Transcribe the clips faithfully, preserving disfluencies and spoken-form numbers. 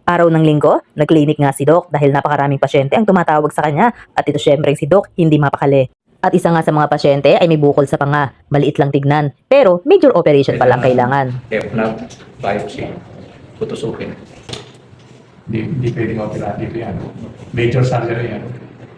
Araw ng linggo, nag-clinic nga si Doc dahil napakaraming pasyente ang tumatawag sa kanya at ito syempre si Doc hindi mapakali. At isa nga sa mga pasyente ay may bukol sa panga, maliit lang tignan, pero major operation pa lang kailangan. F-lab, biopsy, tutusukin. Hindi, hindi pwedeng operate dito yan. Major surgery yan.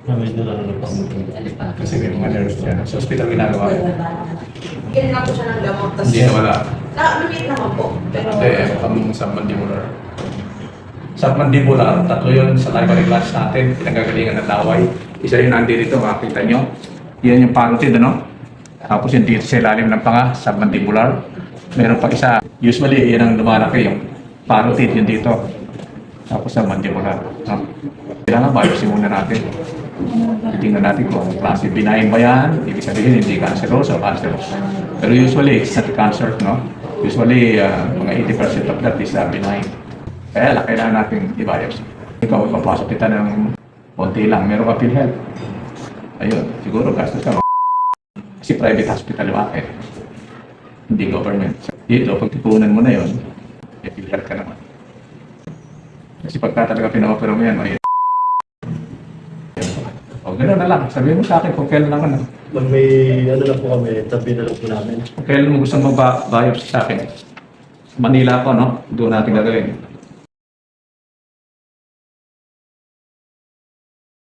Kasi may mga nerves yan. Sa hospital ginagawa yan. Bigyan na po siya ng gamot. Tas, Hindi na wala. Nakalimit naman po. Pero, Hindi, ang submandibular. Submandibular, tatlo yun sa library class natin, pinagagalingan ng laway. Isa yun nandito, makikita nyo. Yan yung parotid, ano? Tapos yung dito sa ilalim ng panga, submandibular. Meron pa isa. Usually, yan ang lumalaki, yung parotid, yun dito. Tapos submandibular. No? Kailangan biopsy muna natin. Tingnan natin kung klase benign ba yan. Ibig sabihin, hindi cancerous o cancerous. Pero usually, it's not cancer, no? Usually, uh, mga eighty percent of that is uh, benign. Kaya lang, kailangan natin i-biopsy. Ikaw, ipapasok kita ng konti lang. Meron ka PhilHealth. Ayun, siguro gastos ka. Kasi private hospital yung akin. Hindi government. Dito, pag tipunan mo na yun, may PhilHealth ka naman. Kasi pagka talaga pina-opera mo yan, may o, gano'n na lang. Sabihin mo sa akin kung kailan lang ano. Pag may ano na po kami, tabi na lang po namin. Kung kailan mo gusto mag-biopsy sa akin. Manila ako, no? Doon natin gagawin.